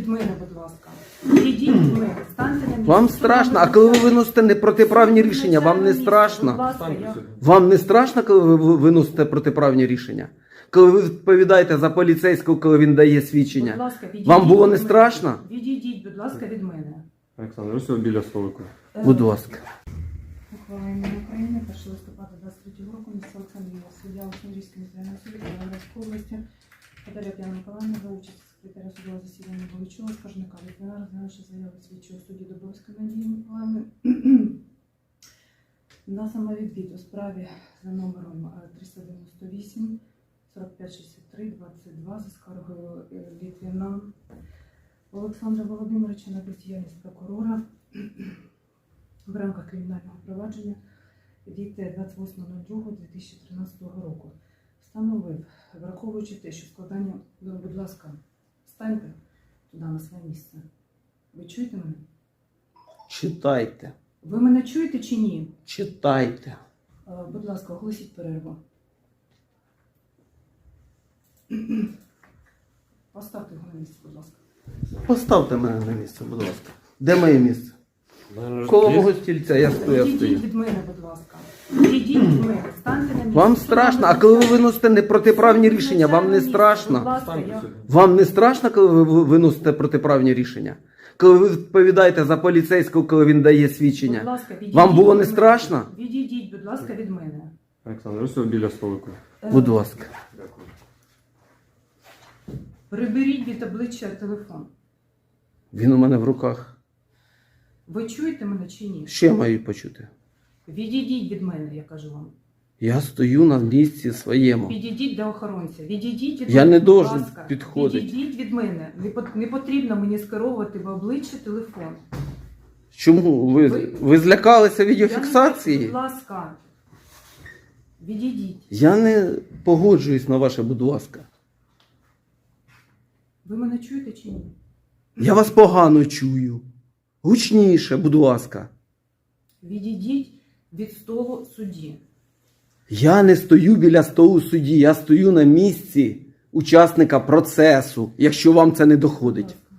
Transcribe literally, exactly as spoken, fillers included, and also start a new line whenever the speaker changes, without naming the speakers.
мене, будь ласка. Відійдіть від мене. Станьте на місце.
Вам страшно? А коли ви виносите непротиправні рішення, вам не
Будь
страшно?
ласка, я...
Вам не страшно, коли ви виносите протиправні рішення? Коли ви відповідаєте за поліцейського, коли він дає свідчення?
Будь ласка, відійдіть
Вам було
від
не
мене.
страшно?
Відійдіть, будь ласка, від мене.
Олександр, ось біля столику.
Будь ласка.
Ухвала імені України, першого листопада двадцять третього року, місто Олександрія, суддя Олександрійської міськрайонної суду Кіровоградської області, Катерина П'яна Миколаївна, за участь секретаря судового засідання Головичова, скаржника Літвина, розглянувши заяву слідчого судді Дубовської Надії Миколаївни на самовідвід у справі за номером триста дев'яносто вісім сорок п'ять шістдесят три двадцять два за скаргою Літвина Олександра Володимировича на бездіяльність прокурора в рамках кримінального провадження від двадцять восьмого другого дві тисячі тринадцятого року. Встановив, враховуючи те, що складання, ну, будь ласка, встаньте туди на своє місце. Ви чуєте мене?
Читайте.
Ви мене чуєте чи ні?
Читайте.
Е, Будь ласка, оголосіть перерву. Поставте його на місце, будь ласка.
Поставте мене на місце, будь ласка. Де моє місце? Коло мого стільця, я стою, я
Відійдіть
стою.
від мене, будь ласка. Відійдіть від мене, станьте на місце.
Вам страшно? А коли ви виносите непротиправні рішення, вам не
Будь
страшно?
ласка, я...
Вам не страшно, коли ви виносите протиправні рішення? Коли ви відповідаєте за поліцейського, коли він дає
Будь
свідчення?
ласка, відійдіть
Вам було не
від мене.
страшно?
Відійдіть, будь ласка, від мене.
Олександр, ось біля столику.
Е,
Будь ласка.
Дякую.
Приберіть від обличчя телефон.
Він у мене в руках.
Ви чуєте мене чи ні?
Що я маю почути?
Відійдіть від мене, я кажу вам.
Я стою на місці своєму.
Підійдіть до охоронця. Відійдіть від
Я
мене,
не
будь
должен
ласка.
підходити.
Відійдіть від мене. Не, пот- не потрібно мені скеровувати в обличчя телефон.
Чому? Ви,
Ви-
ви злякалися
Я не-
відеофіксації?
Будь ласка. Відійдіть.
Я не погоджуюсь на ваше, будь ласка.
Ви мене чуєте чи ні?
Я вас погано чую. Гучніше, будь ласка.
Відійдіть від столу судді.
Я не стою біля столу судді, я стою на місці учасника процесу, якщо вам це не доходить.